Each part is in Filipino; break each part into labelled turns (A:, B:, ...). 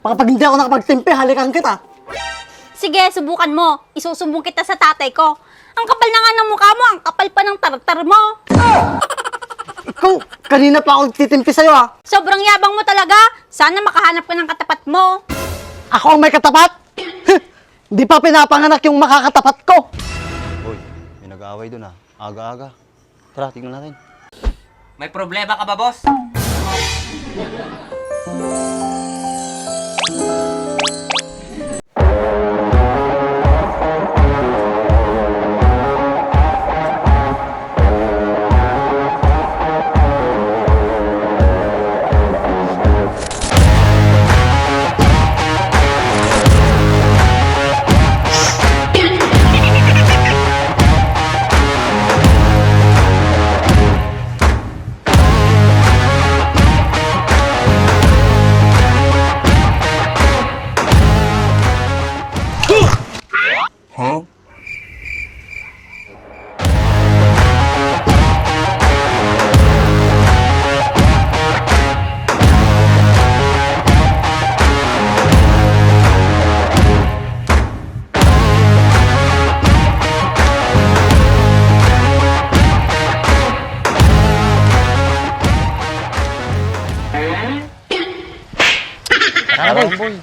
A: Baka pag hindi ako nakapagtimpi, halikan kita.
B: Sige, subukan mo. Isusumbong kita sa tatay ko. Ang kapal na nga ng mukha mo, ang kapal pa ng tartar mo.
A: Ikaw, kanina pa ako titimpi sa'yo ah.
B: Sobrang yabang mo talaga. Sana makahanap ka ng katapat mo.
A: Ako ang may katapat? Di pa pinapanganak yung makakatapat ko.
C: Hoy, may nag-aaway dun ah. Aga-aga. Tara, tingnan natin.
D: May problema ka ba, boss?
C: Tara, boy.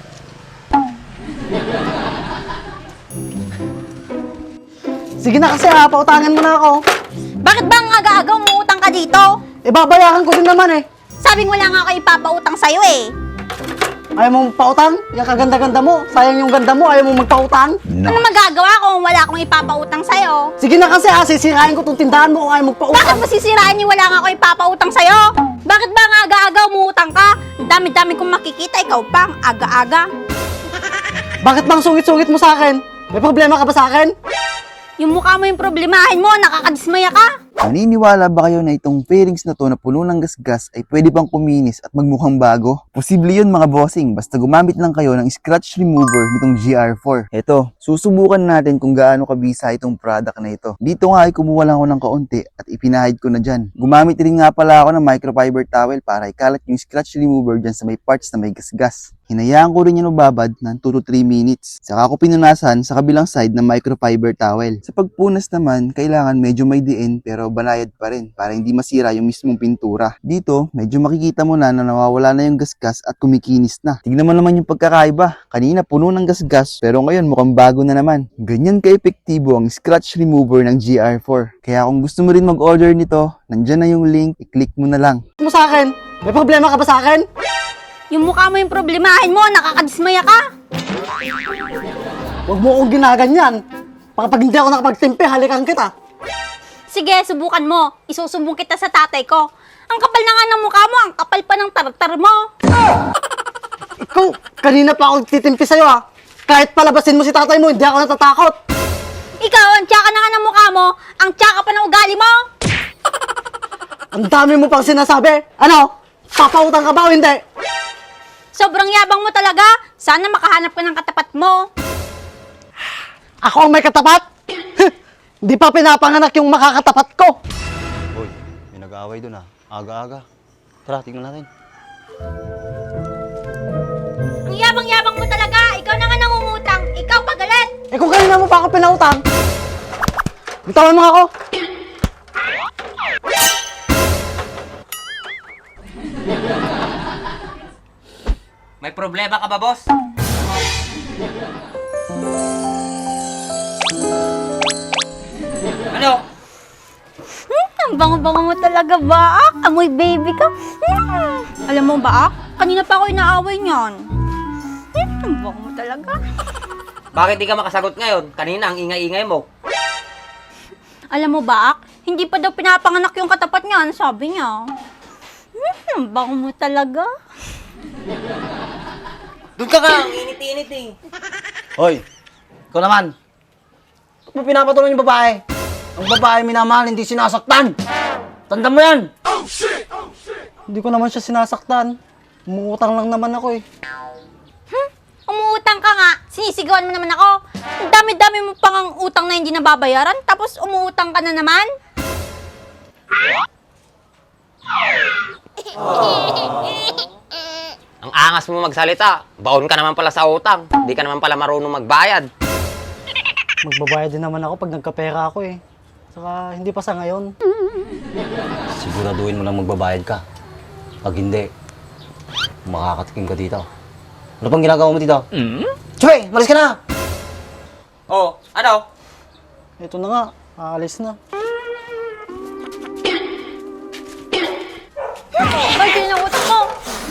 A: Sige na kasi ha, pautangan mo na ako.
B: Bakit ba ang aga-aga umuutang ka dito?
A: Babayaran ko din naman eh.
B: Sabing wala nga ako ipapautang sa'yo eh.
A: Ayaw mo magpautang? Yung kaganda-ganda mo. Sayang yung ganda mo, ayaw mo magpautang?
B: Ano magagawa kung wala akong ipapautang sa'yo?
A: Sige na kasi ha, sisirain ko tong tindahan mo kung ayaw
B: Bakit
A: magpautang.
B: mo sisirain yung wala nga ako ipapautang sa'yo? Bakit ba ang aga-aga umuutang ka? Ang dami-dami kong makikita, ikaw pa ang aga-aga.
A: Bakit bang sungit-sungit mo sa akin? May problema ka ba sa akin?
B: Yung mukha mo yung problemahin mo, nakakadismaya ka.
C: Naniniwala ba kayo na itong fairings na to na puno ng gasgas ay pwede bang kuminis at magmukhang bago? Posible yun mga bossing, basta gumamit lang kayo ng scratch remover nitong GR4. Eto, susubukan natin kung gaano kabisa itong product na ito. Dito nga ay kumuha lang ako ng kaunti at ipinahid ko na dyan. Gumamit rin nga pala ako ng microfiber towel para ikalat yung scratch remover dyan sa may parts na may gasgas. Hinayaan ko rin yan ubabad ng 2 to 3 minutes. Saka ko pinunasan sa kabilang side ng microfiber towel. Sa pagpunas naman, kailangan medyo may diin pero banayad pa rin para hindi masira yung mismong pintura. Dito, medyo makikita mo na nawawala na yung gasgas at kumikinis na. Tignan mo naman yung pagkakaiba. Kanina puno ng gasgas pero ngayon mukhang bago na naman. Ganyan ka-epektibo ang scratch remover ng GR4. Kaya kung gusto mo rin mag-order nito, nandyan na yung link, i-click mo na lang.
A: Mo sa akin? May problema ka ba sa akin?
B: Yung mukha mo yung problemahin mo, nakakadismaya ka.
A: Huwag mo akong ginaganyan. Baka pag hindi ako nakapagtimpi, halikan kita.
B: Sige, subukan mo. Isusumbong kita sa tatay ko. Ang kapal na nga ng mukha mo, ang kapal pa ng tartar mo.
A: Ikaw, kanina pa ako titimpi sa'yo ha. Kahit palabasin mo si tatay mo, hindi ako natatakot.
B: Ikaw, ang tsaka na nga ng mukha mo, ang tsaka pa ng ugali mo.
A: Ang dami mo pang sinasabi. Ano? Papautang ka ba o hindi?
B: Sobrang yabang mo talaga. Sana makahanap ka ng katapat mo.
A: Ako ang may katapat? Di pa pinapanganak yung makakatapat ko.
C: Hoy, may nag-aaway dun ah. Aga-aga. Tara, tingnan natin.
B: Ang yabang-yabang mo talaga. Ikaw na nga nangungutang. Ikaw pagalit.
A: Eh kung kanina mo pa ako pinautang. Bitawan mo ako.
D: May problema ka ba, boss? Ano?
B: Ang bango-bango mo talaga, Baak. Amoy baby ka. Alam mo, Baak, kanina pa ako inaaway niyan. Ang bango mo talaga.
D: Bakit di ka makasagot ngayon? Kanina ang ingay-ingay mo.
B: Alam mo, Baak, hindi pa daw pinapanganak yung katapat niyan, sabi niya. Ang bango mo talaga.
D: Doon ka nga, ang init-init eh.
E: Hoy, ikaw naman. Ba't mo pinapatuloy yung babae? Ang babae minamahal, hindi sinasaktan. Tanda mo yan.
A: Hindi ko naman siya sinasaktan. Umuutang lang naman ako eh.
B: Umuutang ka nga. Sinisigawan mo naman ako. Ang dami-dami mo pang ang utang na hindi nababayaran, tapos umuutang ka na naman.
D: Ang angas mo magsalita. Baon ka naman pala sa utang. Di ka naman pala marunong magbayad.
A: Magbabayad din naman ako pag nagkapera ako eh. Saka hindi pa sa ngayon.
E: Siguraduhin mo lang magbabayad ka. Pag hindi, makakatikim ka dito. Ano pang ginagawa mo dito? Choy, malis ka na!
D: Oh, ano?
A: Ito na nga, aalis na.
B: Ay, kinautak mo!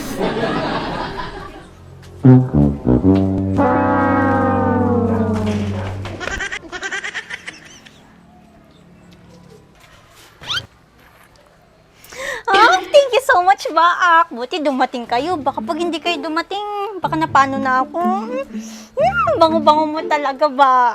B: Thank you so much, Baak. Buti dumating kayo. Baka pag hindi kayo dumating, baka napano na ako. Bango-bango mo talaga, ba?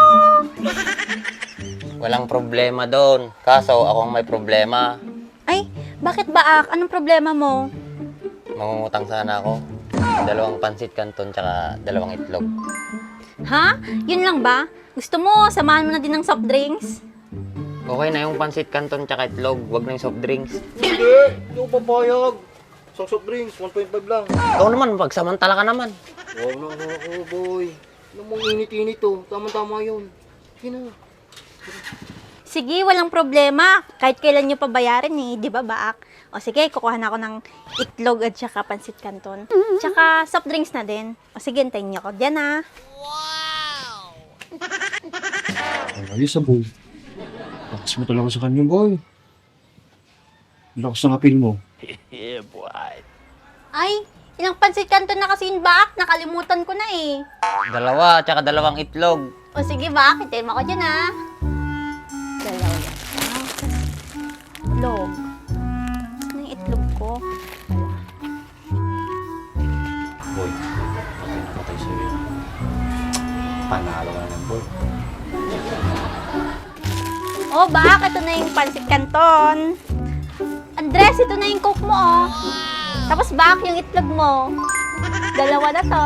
D: Walang problema doon. Kaso ako ang may problema.
B: Ay, bakit, Baak? Anong problema mo?
D: Mangungutang sana ako. 2 pansit canton tsaka 2 itlog.
B: Ha? Yun lang ba? Gusto mo, samahan mo na din ng soft drinks?
D: Okay na yung pansit canton tsaka itlog. Huwag na yung soft drinks.
E: Hindi, hindi ako papayag. Isang soft drinks, 1.5 lang.
D: Ikaw naman, pagsamantala ka naman.
E: Wow na ako, boy. Ano mong init-init to? Tama-tama yun. Sige na.
B: Sige, walang problema. Kahit kailan nyo pabayarin eh, di ba, Baak? O sige, kukuha na ako ng itlog at saka pansit canton. Tsaka soft drinks na din. O sige, hintayin nyo ako dyan ah.
F: Ayos boy. Lakas mo talaga sa kanya, boy. Lakas ng apil mo.
B: Ay, ilang pansit canton na kasi yun, Baak? Nakalimutan ko na eh.
D: 2 tsaka 2 itlog.
B: O sige, Baak, hintayin mo ako dyan ah. Dalawa yan. Itlog. Ano yung itlog ko?
E: Boy, patay na patay sa'yo yun. Panalo ka naman, boy.
B: Oh, Baak, ito na yung pansit canton. Andres, ito na yung coke mo, oh. Tapos, Baak, yung itlog mo. 2 na to.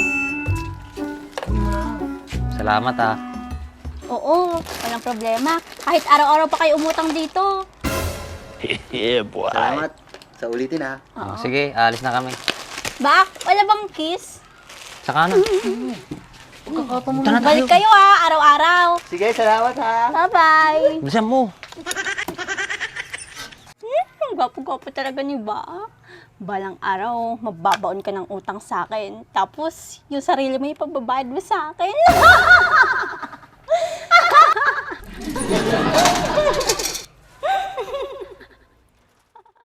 D: Salamat ah.
B: Oo, walang problema. Kahit araw-araw pa kayo umutang dito.
C: Salamat. Sa ulitin ha.
D: Oh, sige, alis na kami.
B: Baak, wala bang kiss?
D: Saka na.
B: Balik kayo ah, araw-araw.
C: Sige, salamat ha.
B: Bye-bye.
D: Bilisan mo.
B: Gwapo-gwapo talaga ni Baak. Balang araw, mababaon ka ng utang sa akin. Tapos, yung sarili mo ipababayad mo sa akin.